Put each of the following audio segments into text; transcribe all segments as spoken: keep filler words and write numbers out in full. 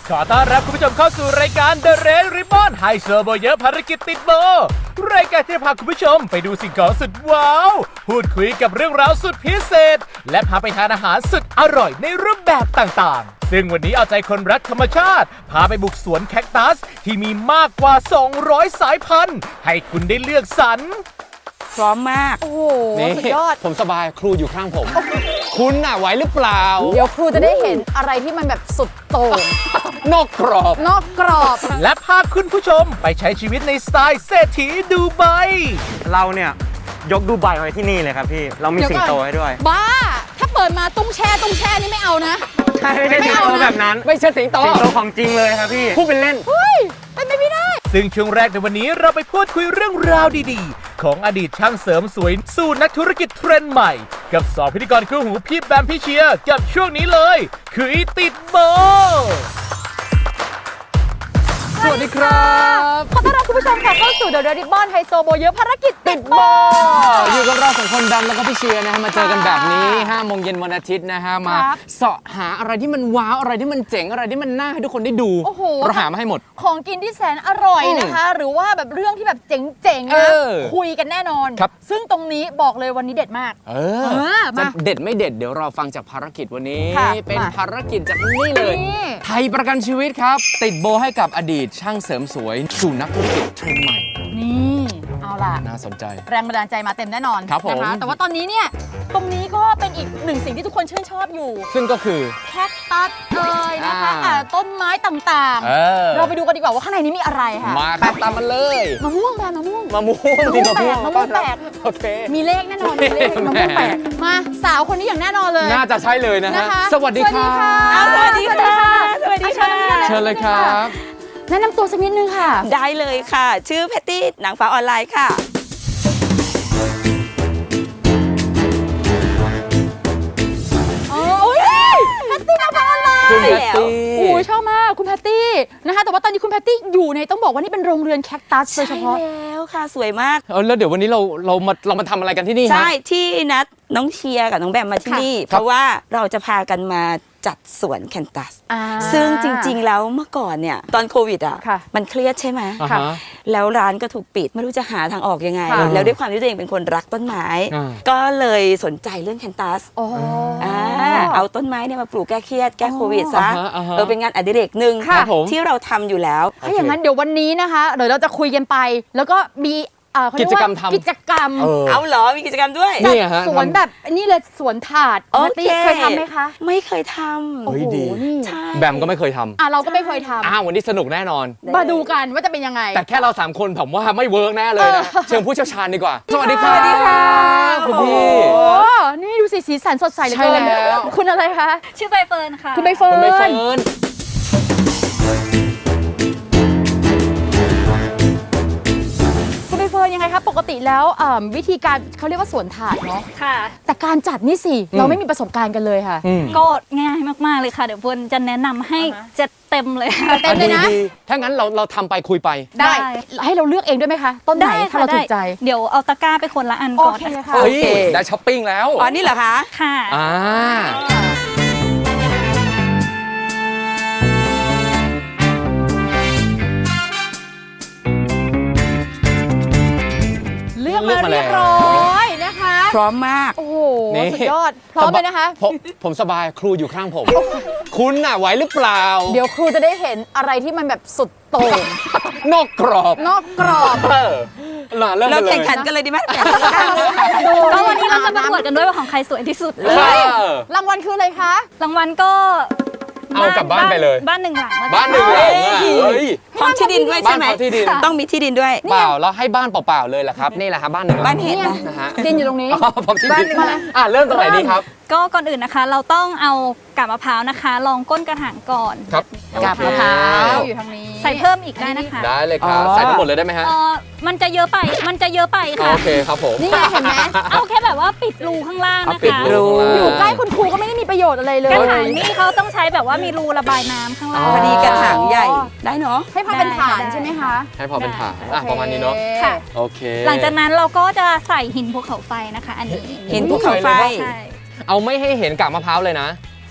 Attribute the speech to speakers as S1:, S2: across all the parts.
S1: ขอต้อนรับคุณผู้ชมเข้าสู่รายการ The Red Ribbon ไฮโซโบเยอะภารกิจติดโบรายการที่จะพาคุณผู้ชมไปดูสิ่งของสุดว้าวพูดคุยกับเรื่องราวสุดพิเศษและพาไปทานอาหารสุดอร่อยในรูปแบบต่างๆซึ่งวันนี้เอาใจคนรักธรรมชาติพาไปบุกสวนแคคตัสที่มีมากกว่าสองร้อยสายพันธุ์ให้คุณได้เลือกสรร
S2: พร้อมมาก
S3: โอ้โหสุดยอด
S4: ผมสบายครูอยู่ข้างผม คุณน่ะไหวหรือเปล่า
S3: เดี๋ยวครูจะได้เห็นอะไรที่มันแบบสุดโต่ง
S4: นอกกรอบ
S3: นอกกรอบ
S1: และพาคุณผู้ชมไปใช้ชีวิตในสไตล์เศรษฐีดูไบ
S5: เราเนี่ยยกดูไบไว้ที่นี่เลยครับพี่เรามีสิงโตให้ด้วย
S3: บ้าถ้าเปิดมาตุ้งแช่ตุ้งแช่นี่ไม่เอานะ
S5: ใช่ไม่ใช่สิงโตแบบนั้น
S4: ไม่ใช่สิงโต
S5: สิงโตของจริงเลยครับพี่
S4: พูดเป็นเล่น
S3: เฮ้ยเป็นไปไม่ได้
S1: ซึ่งช่วงแรกในวันนี้เราไปพูดคุยเรื่องราวดีๆของอดีตช่างเสริมสวยสู่นักธุรกิจเทรนด์ใหม่กับสองพิธีกรคู่หูพี่แบมพี่เชียร์กับช่วงนี้เลยคือติดโบ
S4: สวัสดีครับ
S3: ขอต้อนรับคุณผู้ชมค่ะเข้าสู่ The Red Ribbon ไฮโซโบเยอะภารกิจติดโบ
S4: อยู่กับเราสองคนดำแล้วก็พี่เชียร์นะฮะมาเจอกันแบบนี้ห้าโมงเย็นวันอาทิตย์นะฮะมาเสาะหาอะไรที่มันว้าวอะไรที่มันเจ๋งอะไรที่มันน่าให้ทุกคนได้ดูเราหามาให้หมด
S3: ของกินที่แสนอร่อยนะคะหรือว่าแบบเรื่องที่แบบเจ๋งๆนะคุยกันแน่นอนซึ่งตรงนี้บอกเลยวันนี้เด็ดมาก
S4: เออจะเด็ดไม่เด็ดเดี๋ยวเราฟังจากภารกิจวันนี้เป็นภารกิจจากนี่เลยไทยประกันชีวิตครับติดโบให้กับอดีตช่างเสริมสวยสู่นักธุรกิจเทรนด์ใหม่
S3: นี่เอาล่ะ
S4: น่าสนใจ
S3: แรงบันดาลใจมาเต็มแน่นอน
S4: ครับผม
S3: นะคะแต่ว่าตอนนี้เนี่ยตรงนี้ก็เป็นอีกหนึ่งสิ่งที่ทุกคนชื่นชอบอยู่
S4: ซึ่งก็คือ
S3: แคคตัสเอ่ยนะคะต้นไม้ต่างๆเราไปดูกันดีกว่าว่าข้างในนี้มีอะไรค่ะ
S4: มาครับตามมาเลย
S3: มะม่วงแปลกมะม่วง
S4: มะม่วง
S3: มะม่วงแปลกมะม่วงแปลก
S4: โอเค
S3: มีเลขแน่นอนมีเลขมะม่วงแปลกมาสาวคนนี้อย่างแน่นอนเลย
S4: น่าจะใช่เลยนะฮะสวัสดีค่ะ
S3: สวัสดีค่ะสวัสดีค่ะ
S4: เชิญเลยครับ
S3: แนะนำตัวสักนิดนึงค่ะ
S2: ได้เลยค่ะชื่อแพตตี้นางฟ้าออนไลน์ค่ะ
S3: โอ้ยแพตตี้นางฟ้าออนไลน์
S4: คุณแพตตี้
S3: โอ้ยชอบมากคุณแพตตี้นะคะแต่ว่าตอนนี้คุณแพตตี้อยู่ในต้องบอกว่านี่เป็นโรงเรือนแคคตัสโดยเฉพาะ
S2: ใช่แล้วค่ะสวยมาก
S4: เออแล้วเดี๋ยววันนี้เราเรามาเรามาทำอะไรกันที่นี่ฮะ
S2: ใช่ที่นัดน้องเชียร์กับน้องแบมมาที่นี่เพราะว่าเราจะพากันมาจัดสวนแคนตัสซึ่งจริงๆแล้วเมื่อก่อนเนี่ยตอนโควิดอ่ะมันเครียดใช่ไหมแล้วร้านก็ถูกปิดไม่รู้จะหาทางออกยังไงแล้วด้วยความที่ตัวเองเป็นคนรักต้นไม้ก็เลยสนใจเรื่องแคนตัสเอาต้นไม้เนี่ยมาปลูกแก้เครียดแก้โควิดซะเออเป็นงานอดิเรกหนึ่งที่เราทำอยู่แล้ว
S3: ถ้าอย่างนั้นเดี๋ยววันนี้นะคะเดี๋ยวเราจะคุยกันไปแล้วก็มี
S4: กิจกรรมทำ
S3: กิจกรรม
S2: เอาเหรอมีกิจกรรมด้วย
S4: นี่ฮะ
S3: สวนแบบนี่เลยสวนถาด
S2: โอเค
S3: เคยทำไหมคะ
S2: ไม่เคยทำ
S4: โอ้โหดีแบมก็ไม่เคยทำ
S3: อ่ะเราก็ไม่เคยทำ
S4: อ้าววันนี้สนุกแน่นอน
S3: มาดูกันว่าจะเป็นยังไง
S4: แต่แค่เราสามคนผมว่าไม่เวิร์กแน่เลยนะเชิญผู้เชี่ยวชาญดีกว่าสวัสดีค่ะ
S3: สวัสดีค่ะ
S4: คุณพี่
S3: โอ้นี่ดูสีสีสันสดใสเลยใช่แล้วคุณอะไรคะ
S6: ชื่อใบเฟิร์นค่ะ
S3: คุณใบเฟิร์นคุณใบเฟิร์นยังไงคะปกติแล้ววิธีการเขาเรียกว่าสวนถาดเนาะ
S6: ค่ะ
S3: แต่การจัดนี่สิเราไม่มีประสบการณ์กันเลยค่ะ
S6: ก็ง่ายมากๆเลยค่ะเดี๋ยวเฟิร์นจะแนะนำให้เจ็ดเต็มเลย
S3: เต็มเลยนะ
S4: ถ้างั้นเราเราทำไปคุยไป
S3: ได้ให้เราเลือกเองด้วยไหมคะต้นไหนถ้าเราถูกใจ
S6: เดี๋ยวเอาตะกร้าไปคนละอันก่อน
S3: ค่ะ
S4: โอเคได้ช้อปปิ้งแล้ว
S2: อ๋อนี่เหรอคะ
S6: ค่ะ
S4: อ่า
S3: เลือกมาเรียบร้อยนะคะ
S2: พร้อมมาก
S3: โอ้โหสุดยอดพร้อมเลยนะคะ
S4: ผมผมสบายครูอยู่ข้างผมคุณน่ะไหวหรือเปล่า
S3: เดี๋ยวครูจะได้เห็นอะไรที่มันแบบสุดโต่ง
S4: นอกกรอบ
S3: นอกกรอบ
S2: เราแข่งขันกันเลยดีไหม
S6: ก็วันนี้เราจะประกวดกันด้วยว่าของใครสวยที่สุด
S3: เลยรางวัลคืออะไรคะ
S6: รางวัลก็
S4: เอากลับบ้านไปเลย
S6: บ้านหนึ่งหลัง
S4: บ้านหนึ่งหลัง
S2: พร้อมที่ดินด้วยใช่ไหมต้องมีที่ดินด้วย
S4: เปล่าแล้วให้บ้านเปล่าๆเลยแหละครับนี่แหละครับบ้านหนึ่ง
S2: บ้านเห็ด
S3: นะฮะดินอยู่ตรงนี้
S4: พร้อมที่ดินอ่ะเริ่มตรงไหนดีครับ
S6: ก็ก่อนอื่นนะคะเราต้องเอากาบมะพร้าวนะคะลองก้นกระถางก่อน
S4: ครับ
S3: กาบมะพร้าวอยู่ทางนี้
S6: ใส่เพิ่มอีกได้นะคะ
S4: ได้เลยครับใส่ทั้งหมดเลยได้ไหมฮะ
S6: มันจะเยอะไปมันจะเยอะไปค่ะ
S4: โอเคครับผม
S3: นี่เห็นไหม
S6: เอาแค่แบบว่าปิดรูข้างล่างนะคะ
S3: อยู่ใกล้คุณครูก็ไม่ได้มีประโยชน์อะไรเลย
S6: กระถางนี่เขาต้องใช้แบบว่ามีรูระบายน้ำข้างล่าง
S2: พอดีกระถางใหญ่ได้เนาะ
S3: ให้พอเป็นฐานใช่ไหมคะ
S4: ให้พอเป็นฐานอ่ะประมาณนี้เนาะ
S6: ค่ะ
S4: โอเค
S6: หลังจากนั้นเราก็จะใส่หินภูเขาไฟนะคะอันนี้
S2: หินภูเขาไฟ
S4: เอาไม่ให้เห็นกากมะพร้าวเลยนะ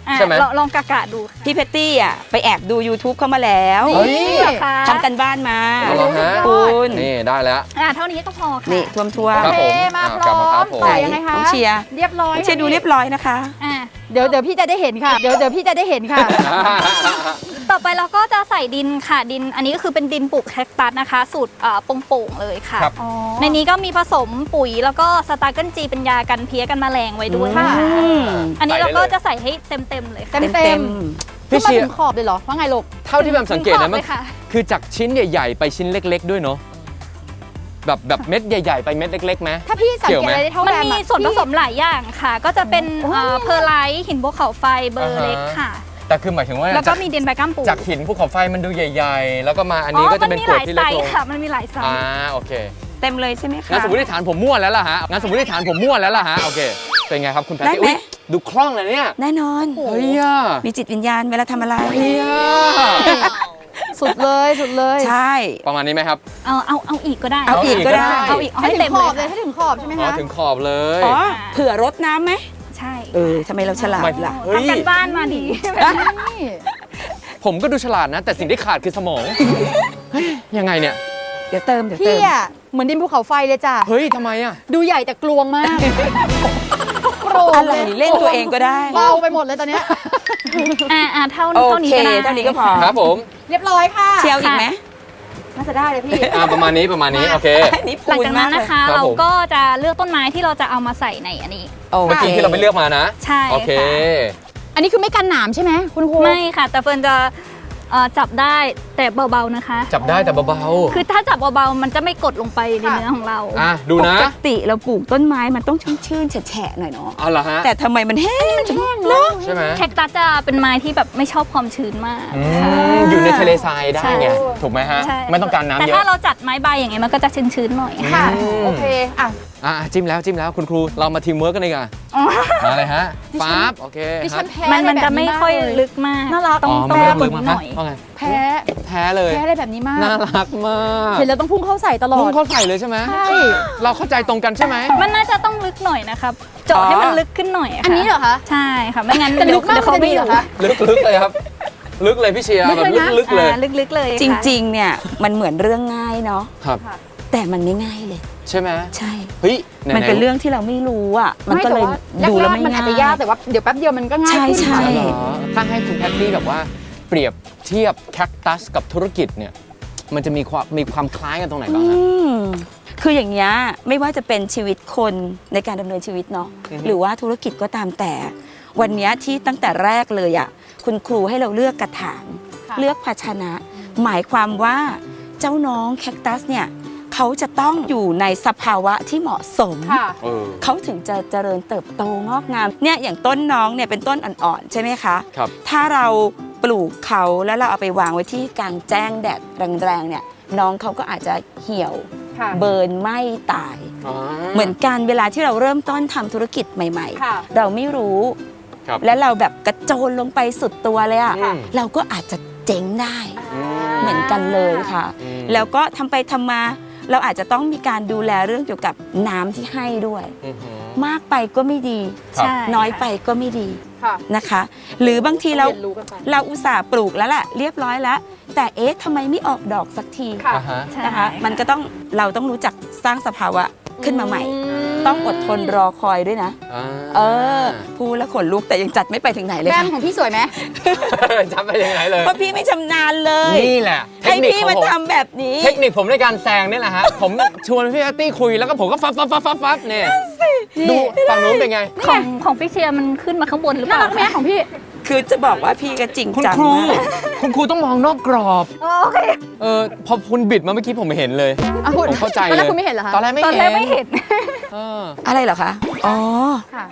S6: อ่ะ
S4: ใช่ไหม
S6: ลองลองกะกะดูค่ะ
S2: พี่เพตตี้อ่ะไปแอบดู YouTube เข้ามาแล้ว
S4: เฮ้ย
S6: เหรอคะ
S2: ทำกันบ้านมา
S4: เอาเหรอฮะ
S2: คุณ
S4: นี่ได้แล้ว
S6: อ่ะเท่านี้ก็พอค่ะ
S2: นี่ท่วมทั่ว
S4: ครับ
S3: โอเค
S4: ผม
S3: มา
S4: อ่า
S3: พร้อม
S4: กลับมาครับผม
S3: ต่อยังไงคะ
S2: น้องเชียร์
S3: เรียบร้อย
S2: เชียร์ดูเรียบร้อยนะคะ
S6: อ่ะ
S3: เดี๋ยวเดี๋ยวพี่จะได้เห็นค่ะ เดี๋ยวเดี๋ยวพี่จะได้เห็นค่ะ
S6: ต่อไปเราก็จะใส่ดินค่ะดิน อันนี้ก็คือเป็นดินปลูกแคคตัสนะคะ สูตรเอ่อโป่งๆเลยค่ะ
S4: ครับ
S3: อ๋อ
S6: ในนี้ก็มีผสมปุ๋ยแล้วก็สตาร์เกิลจีเป็นยากันเพี้ยกันแมลงไว้ด้วย
S3: ค่ะ
S6: ค่ะ
S2: อืม
S6: อันนี้เราก็
S4: ใส่ได้เลย
S6: จะใส่ให้เต็มๆเลยค่ะ
S3: เต็มเต็ม
S4: พี่
S3: ขึ้นมา
S4: เชีย
S3: ถึ
S4: ร์
S3: งขอบเลยเหรอ ว่าไงลูก
S4: เท่าที่แบบสังเกตนะมัน
S6: ถึงขอบเลยค่ะ
S4: คือจากชิ้นใหญ่ๆ ไปชิ้นเล็ก ๆ ด้วยเนาะแบบแบบเม็ดใหญ่ๆ ไปเม็ดเล็กๆไหม
S3: ถ้าพี่สัง
S4: เกี่
S3: เก
S4: ยวไหม
S3: ตอะไรได้เท่า
S6: มัน
S3: แบม
S6: มี
S3: อะ
S6: ส่วนผสมหลายอย่างค่ะ ก็จะเป็น
S3: โอ้ย
S6: เอ่อเพอร์ไลท์หินภูเขาไฟเบอร์เล็กค่ะ
S4: แต่คือหมายถึงว่า
S6: แล้วก็
S4: จาก
S6: มีดินใบก้ามปู
S4: จากหินภูเขาไฟมันดูใหญ่ ๆ แล้วก็มาอันนี้ก็จะเป็น
S6: มั
S4: กรวด
S6: มี
S4: ที่
S6: หลา
S4: เล็
S6: ย
S4: ก
S6: ไซ
S4: ลง
S6: ส์ค่ะ มันมีหลายไซ
S4: อ่า
S6: ส์
S4: โอเค
S2: เต็มเลยใช่ไหมคะ
S4: งั้นสมมติฐานผมมั่วแล้วล่ะฮะงั้นสมมติฐานผมมั่วแล้วล่ะฮะโอเคเป็นไงครับคุณแพท
S2: ได้
S4: ตี้
S2: ไหม
S4: อุ๊ยดูคล่องเลยเนี่ย
S2: แน่นอน
S4: เฮ้ยอ่ะ
S2: มีจิตวิญญาณเวลาทำอะไร
S4: เฮ้ยอ่ะ
S3: สุดเลยสุดเลย
S2: ใช่
S4: ประมาณนี้ไหมครับ
S6: เอาเอาเอาอีกก็ได้
S2: เอาอีกก็ได้
S6: เอาอีกเอา
S3: ให้
S6: ให้
S3: ถึ
S6: เต็
S3: ง
S6: ม
S3: ข
S6: เล
S3: อย บเลย
S6: ค่ะ
S3: ให้ถึงขอบใช่ไหม
S4: อ๋อ
S3: คะ
S4: ถึงขอบเลย
S2: อ๋อเผื่อรดน้ำไหม
S6: ใช่
S2: เออทำไมเราฉลาด
S4: ไม่
S2: ล่ะ
S4: เฮ้ย
S6: ทำกันบ้านมาดี
S3: นี่
S4: ผมก็ดูฉลาดนะ แต่สิ่งที่ขาดคือสมองเฮ้ยยังไงเนี่ย
S2: เดี๋ยวเติมเดี๋ยวเติ
S3: พี่
S2: ม
S3: อะเหมือนดินภูเขาไฟเลยจ้ะ
S4: เฮ้ยทำไมอ่ะ
S3: ดูใหญ่แต่กลวงมากโกรธ
S2: อะไรเล่นตัวเองก็ได้
S3: เบาไปหมดเลยตอนเนี้ย
S6: อ่าอ่าเท่า
S2: โอ
S6: เท่านี้
S2: เค
S6: ก็ได้
S2: เท่านี้ก็พอ
S4: ครับผม
S3: เรียบร้อยค่ะ
S2: เชียวอีกไหม
S3: น่าจะได้เลยพี่
S4: อ่าประมาณนี้ประมาณนี้โอเค
S2: อันนี้
S6: หลัง
S2: พูน
S6: จาก
S2: มา
S6: นั้
S2: ก
S6: น
S2: เลย
S6: นะคะ
S4: ครับ
S6: เรา
S4: ผม
S6: ก็จะเลือกต้นไม้ที่เราจะเอามาใส่ในอันนี้
S2: โอ
S4: เมื่อ
S2: เค
S4: กี้ที่เราไปเลือกมานะ
S6: ใช่
S4: โอเค
S6: ค่ะ
S3: อันนี้คือไม่กันหนามใช่ไหมคุณครู
S6: ไม่ค่ะ แต่เฟิร์นจะเอ่อจับได้แต่เบาๆนะคะ
S4: จับได้แต่เบา
S6: คือถ้าจับเบาๆมันจะไม่กดลงไปในเนื้อของเรา
S4: ๆอ่ะดู
S2: ป
S4: นะ
S2: กติเราปลูกต้นไม้มันต้องชื้นๆแฉะๆหน่อยเนาะ
S4: เอาเหรอฮะ
S2: แต่ทำไมมันแห้งจัง
S3: เนอะ
S4: ใช่ไหม
S6: แคคตัสจะเป็นไม้ที่แบบไม่ชอบความชื้นมาก
S4: อืมอยู่ในทะเลทรายได้ไง
S6: ใช่
S4: ถูกไหมฮะ
S6: ใช่
S4: ไม่ต้องการน้ำ
S6: แต่
S4: เย
S6: ถ้า
S4: อะ
S6: เราจัดไม้ใบอย่างเงี้ยมันก็จะชื้นๆหน่อย
S3: ค่ะ
S4: อืม
S3: โอเคอ่ะ
S4: อ่ะจิ้มแล้วจิ้มแล้วคุณครูเรามาทีมเวิร์กกันเลยกันมาเลยฮะฟ้าบโอเค
S3: ดิ
S4: ค
S3: ฉั
S4: รับ
S3: นแพ้
S6: มันมัน
S3: แบบ
S6: จะไม่ค่อยลึกมาก
S3: น่ารัก
S6: ต้อง
S4: อ๋อ
S6: ต้
S4: ไม่
S6: อง
S4: ได้
S6: ฝึ
S4: ลึ
S6: ก
S4: ก
S6: ห
S4: มา
S6: น่อย
S4: ว่าไง
S3: แพ้
S4: แพ้เลย
S3: แพ้อะไรแบบนี้มาก
S4: น่ารักมาก
S3: เห็นแล้วต้องพุ่งเข้าใส่ตลอ
S4: พุ่ง
S3: ด
S4: เข้าใส่เลยใช่ไหม
S3: ใช่
S4: เราเข้าใจตรงกันใช่ไหม
S6: มันน่าจะต้องลึกหน่อยนะครับเจาะให้มันลึกขึ้นหน่อยะค่ะ
S3: อันนี้เหรอคะ
S6: ใช่ค่ะไม่งั้น
S3: แต่ลึกมาก
S6: เดี๋ยวเขาไม่
S3: จะดีเหรอคะ
S4: ลึกลึกเลยครับ ลึกเลยพี่เชียร์
S3: ลึก
S4: แบบ
S3: เลยนะ
S4: ลึกๆเลย
S6: อ่าลึกๆเลย
S2: จ
S6: ค่ะ
S2: ริงๆ เนี่ยมันเหมือนเรื่องง่ายเนาะ
S4: ครับ
S2: แต่มันไม่ง่ายเลย
S4: ใช่ไหม
S2: ใช่
S4: เฮ้ยไหๆ
S2: มันเป็นเรื่องที่เราไม่รู้อ่ะ มันก็เลย
S3: ไม่
S2: ดู
S3: แต่
S2: แล้ว
S3: ว่า
S2: ไม่
S3: แรกๆมันอาจ
S2: ง่าย
S3: จะยากแต่ว่าเดี๋ยวแป๊บเดียวมันก็ง่ายขึ้น
S2: ใช่
S4: เหรอถ้าให้คุณแพตตี้แบบว่าเปรียบเทียบแคคตัสกับธุรกิจเนี่ยมันจะมีความมีความคล้ายกันตรงไหนบ้าง
S2: อื
S4: ฮะ
S2: มคืออย่างนี้ยไม่ว่าจะเป็นชีวิตคนในการดำเนินชีวิตเนาะ
S4: อือฮึ
S2: หรือว่าธุรกิจก็ตามแต่ วันเนี้ยที่ตั้งแต่แรกเลยอ่ะคุณครูให้เราเลือกกระถาง
S3: ค่ะ
S2: เลือกภาชนะ หมายความว่าเจ้าน้องแคคตัสเนี่ยเขาจะต้องอยู่ในสภาวะที่เหมาะสม
S3: ค่ะ
S4: เออ
S2: เขาถึงจะเจริญเติบโตงอกงามเนี่ยอย่างต้นน้องเนี่ยเป็นต้นอ่อนๆใช่ไหมคะ
S4: ครับ
S2: ถ้าเราปลูกเขาแล้วเราเอาไปวางไว้ที่กลางแจ้งแดดแรงๆเนี่ยน้องเขาก็อาจจะเหี่ยว
S3: ค่ะ
S2: เบิร์นไหม้ตาย
S4: อ๋อ
S2: เหมือนกันเวลาที่เราเริ่มต้นทำธุรกิจใหม่
S3: ค่ะ
S2: ๆ เราไม่รู้
S4: ครับ
S2: และเราแบบกระโจนลงไปสุดตัวเลยอะ
S4: อืม
S2: เราก็อาจจะเจ๊งได้
S4: อืม
S2: เหมือนกันเลยค่ะ
S4: อืม
S2: แล้วก็ทำไปทำมา เราอาจจะต้องมีการดูแลเรื่องเกี่ยวกับน้ำที่ให้ด้วย
S4: อือหือ
S2: มากไปก็ไม่ดี
S4: ครับ
S6: ใช่
S2: น้อยไปก็ไม่ดี
S3: ค่ะ
S2: นะคะ หรือบางทีเรา
S3: เรียนรู้กันไป
S2: เราอุตส่าห์ปลูกแล้วแหละเรียบร้อยแล้ว แต่เอ๊ะทำไมไม่ออกดอกสักที
S3: ค่ะ
S4: อ่าฮะ
S6: ใช่
S2: นะคะ มันก็ต้องเราต้องรู้จักสร้างสภาวะขึ้นมาใหม่ ต้องอดทนรอคอยด้วยนะ
S4: อ่า
S2: เออพูดแล้วขนลุกแต่ยังจัดไม่ไปถึงไหนเลย
S3: แบ
S2: ค่ะ
S3: มของพี่สวยไหม
S4: จำไปยังไงเลย
S2: เพราะพี่ไม่ชำนาญเลย
S4: นี่แหละเท
S2: ให้
S4: คนิค
S2: พี่
S4: ของ
S2: มา
S4: ผม
S2: ทำแบบนี้
S4: เทคนิคผมในการแซงนี่แหละฮะ ผมชวนพี่แพตตี้คุยแล้วก็ผมก็ฟับฟับฟับฟับฟับเนี่ยดูฝั่งนู้นเป็นไง
S6: ของของพี่เชียร์มันขึ้นมาข้างบนหรือเป
S3: น่า
S6: ล่า
S3: รักไหมของพี่
S2: คือจะบอกว่าพี่ก็จริง
S4: คุณ
S2: จัง
S4: ครู
S2: มาก
S4: คุณครูต้องมองนอกกรอบ
S6: โอเค
S4: เออพอคุณบิดมาเมื่อกี้ผมไม่เห็นเลย
S3: อ่ะคุณ
S4: ผมเข้าใจ
S3: ตอน
S4: เล
S3: แร
S4: ย
S3: กคุณไม่เห็นเหรอคะ
S4: ตอนแรกไม่
S6: ตอน
S4: เห็น
S6: แรกไม่เห็น
S4: เออ
S2: อะไรเหรอคะ อ๋อ
S3: ค่ะ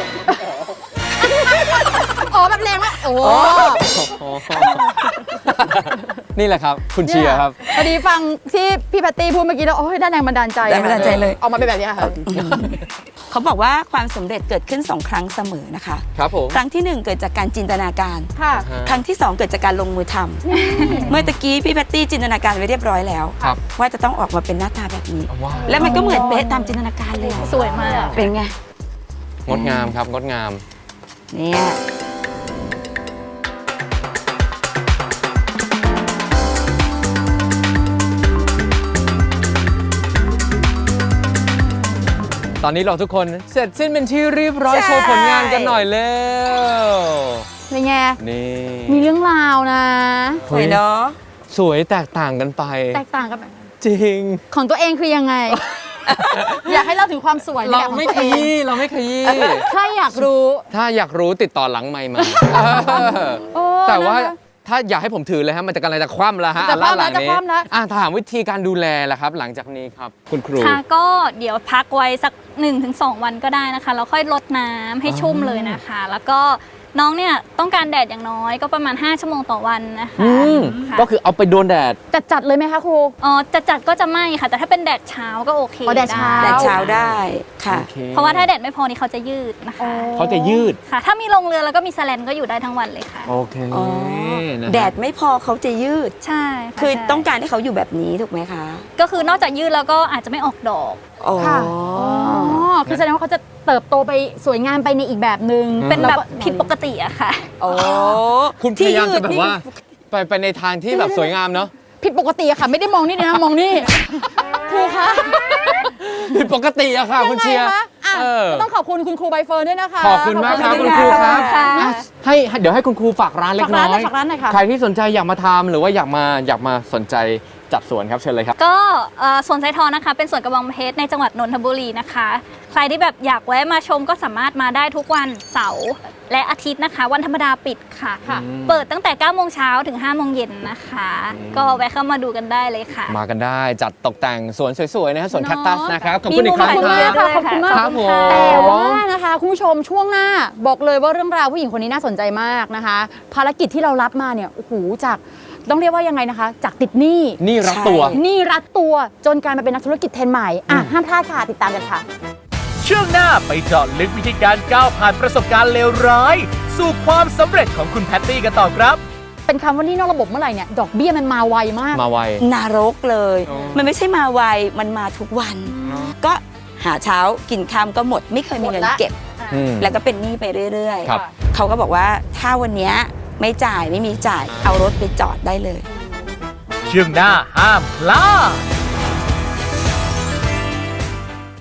S3: อ๋อแบบแรงมากโอ้
S4: นี่แหละครับ คุณเชียร์ครับ
S3: พอดีฟังที่พี่แพตตี้พูดเมื่อกี้แล้วโอ้ยได้แรงบันดาลใจ
S2: ได้แรงบันดาลใจเลย
S3: เอามาเป็นแบบนี้ค่ะ
S2: เขาบอกว่าความสำเร็จเกิดขึ้นสองครั้งเสมอนะคะ
S4: ครับผม
S2: ครั้งที่หนึ่งเกิดจากการจินตนาการ
S3: ค่ะ
S2: ครั้งที่สองเกิดจากการลงมือทำเมื่อตะกี้พี่แพตตี้จินตนาการไว้เรียบร้อยแล้ว
S4: ครับ
S2: ว่าจะต้องออกมาเป็นหน้าตาแบบนี้
S4: ว้าว
S2: แล้วมันก็เหมือนเป๊ะตามจินตนาการเลยอะ
S6: สวยมาก
S2: เป็นไง
S4: งดงามครับ งดงาม
S2: เนี่ย
S4: ตอนนี้เราทุกคนเสร็จสิ้นเป็นที่เรียบร้อย
S2: ใช่
S4: โชว์ผลงานกันหน่อยเร็ว
S3: เป็นไง
S4: นี่
S3: มีเรื่องราวนะ
S2: สวยเนาะ
S4: สวยแตกต่างกันไป
S3: แตกต่างกันแบบ
S4: จริง
S3: ของตัวเองคือยังไง อยากให้เล่าถึงความสวยใน
S4: เรา
S3: แบบของ
S4: ไม่
S3: ตัว
S4: ข
S3: เอง
S4: ยี้เราไม่ขยี้
S3: ถ้าอยากรู้
S4: ถ้าอยากรู้ติดต่อหลังไมค์มา
S3: โอ้
S4: แต่ว่า
S3: นะคะ
S4: ถ้าอยากให้ผมถือเลยฮะมันจะกำลังจะคว่ำแล้วฮะ
S3: จะคว่ำแล้ว
S4: อันหง
S3: จะคว่ำแล้ว
S4: อ่ะถามวิธีการดูแลล่ะครับ หลังจากนี้ครับ คุณครู
S6: ค่ะก็เดี๋ยวพักไว้สัก หนึ่งถึงสอง วันก็ได้นะคะแล้วค่อยลดน้ำให้ชุ่มเลยนะคะ แล้วก็น้องเนี่ยต้องการแดดอย่างน้อยก็ประมาณ ห้า ชั่วโมงต่อวันนะคะ
S4: อืม
S6: ค่ะ
S4: ก็คือเอาไปโดนแดด
S3: จัดจัดเลยไหมคะครู
S6: อ๋อจะจัดก็จะไม่ค่ะ แต่ถ้าเป็นแดดเช้าก็โอเค
S3: อ๋อแดดเช้า
S2: แดดเช้าได้ค่ะ
S4: โอเค
S6: เพราะว่าถ้าแดดไม่พอนี่เขาจะยืดนะคะ
S4: เขาจะยืด
S6: ค่ะ ถ้ามีโรงเรือแล้วก็มีแสลนก็อยู่ได้ทั้งวันเลยค่ะ
S4: โอเค
S2: อ๋อ
S4: นะฮะ
S2: แดดไม่พอเขาจะยืด
S6: ใช่ะ
S2: คือ
S6: ใช่
S2: ต้องการให้เขาอยู่แบบนี้ถูกไหมคะ
S6: ก็คือนอกจากยืดแล้วก็อาจจะไม่ออกดอก
S2: อ๋อ
S3: ค่ะ อ๋อ คือแสดงว่าเขาจะเติบโตไปสวยงามไปในอีกแบบหนึง่ง
S6: เป็นแบบ
S3: ล้วก็
S6: ผิดปกติอะค่ะ
S2: โอ้
S4: คุณพยายามจะแบบว่า ไปไปในทางที่แบบสวยงามเนาะ
S3: ผิดปกติอะค่ะ ไม่ได้มองนี่นะมองนี่ครูคะ
S4: ผิดปกติอะค่ะคุณเชียร์
S3: ยังไงคะอ่ะ
S4: เออ
S3: ก็ต้องขอบคุณคุณครูใบเฟิร์นด้วยนะคะ
S4: ขอบคุณมากครับ
S3: ขอ
S4: คุณ
S3: ณ
S4: ครูครับ
S6: ค่ะ
S4: อ่ะให้ให้เดี๋ยวให้คุณครูฝากร้านเล็ก
S3: ฝาก
S4: น้
S3: ร้านหน่
S4: อ
S3: อย ยฝากร้านหน่อยค่ะ
S4: ใครที่สนใจอยากมาทำหรือว่าอยากมาอยากมาสนใจจัดสวนครับเชิญเลยครับ
S6: ก็เอ่อสวนไซทองนะคะ เป็นสวนกระบองเพชรในจังหวัดนนทบุรีนะคะ ใครที่แบบอยากแวะมาชมก็สามารถมาได้ทุกวันเสาร์และอาทิตย์นะคะ วันธรรมดาปิดค่ะ
S3: ค่ะ
S6: เปิดตั้งแต่เก้าโมงเช้าถึงห้าโมงเย็นนะคะ ก็แวะเข้ามาดูกันได้เลยค่ะ
S4: มากันได้จัดตกแต่งสวนสวยๆนะฮะสวน
S3: เนอะ
S4: แคคตัสนะครับขอบ
S6: มี
S4: คุณอี
S6: มุ
S4: ก
S6: ม
S4: ครั้ง
S6: ถ่าย
S4: ค
S6: รูป
S4: รับ
S6: ด้วย
S3: ขอบคุณมาก
S4: ครับผม
S3: แต่ว่านะคะคุณผู้ชมช่วงหน้าบอกเลยว่าเรื่องราวผู้หญิงคนนี้น่าสนใจมากนะคะ ภารกิจที่เรารับมาเนี่ยโอ้โหจากต้องเรียกว่ายังไงนะคะ จากติดหนี้
S4: นี่รักตัว
S2: ใช่
S3: หนี้รัดตัวจนกลายมาเป็นนักธุรกิจเทรนด์ใหม่อ่ะห้ามพลาดค่ะติดตามกันค่ะ
S1: ช่วงหน้าไปเจาะลึกวิธีการก้าวผ่านประสบการณ์เลวร้าย สู่ความสำเร็จของคุณแพตตี้กันต่อครับ
S3: เป็นคำว่าหนี้นอกระบบเมื่อไหร่เนี่ยดอกเบี้ยมันมาไวมาก
S4: มาไว
S2: นรกเลย
S4: อ๋อ
S2: มันไม่ใช่มาไว มันมาทุกวัน ก็หาเช้ากินค่ำก็หมด ไม่เคยมีเงิน
S3: หมดละ
S2: เก็บ
S4: อืม
S2: แล้วก็เป็นหนี้ไปเรื่อย
S4: ครับ
S2: ๆ เขาก็บอกว่าถ้าวันเนี้ยไม่จ่ายไม่มีจ่าย เอารถไปจอดได้เลย
S1: ช่วงหน้าห้ามพลาด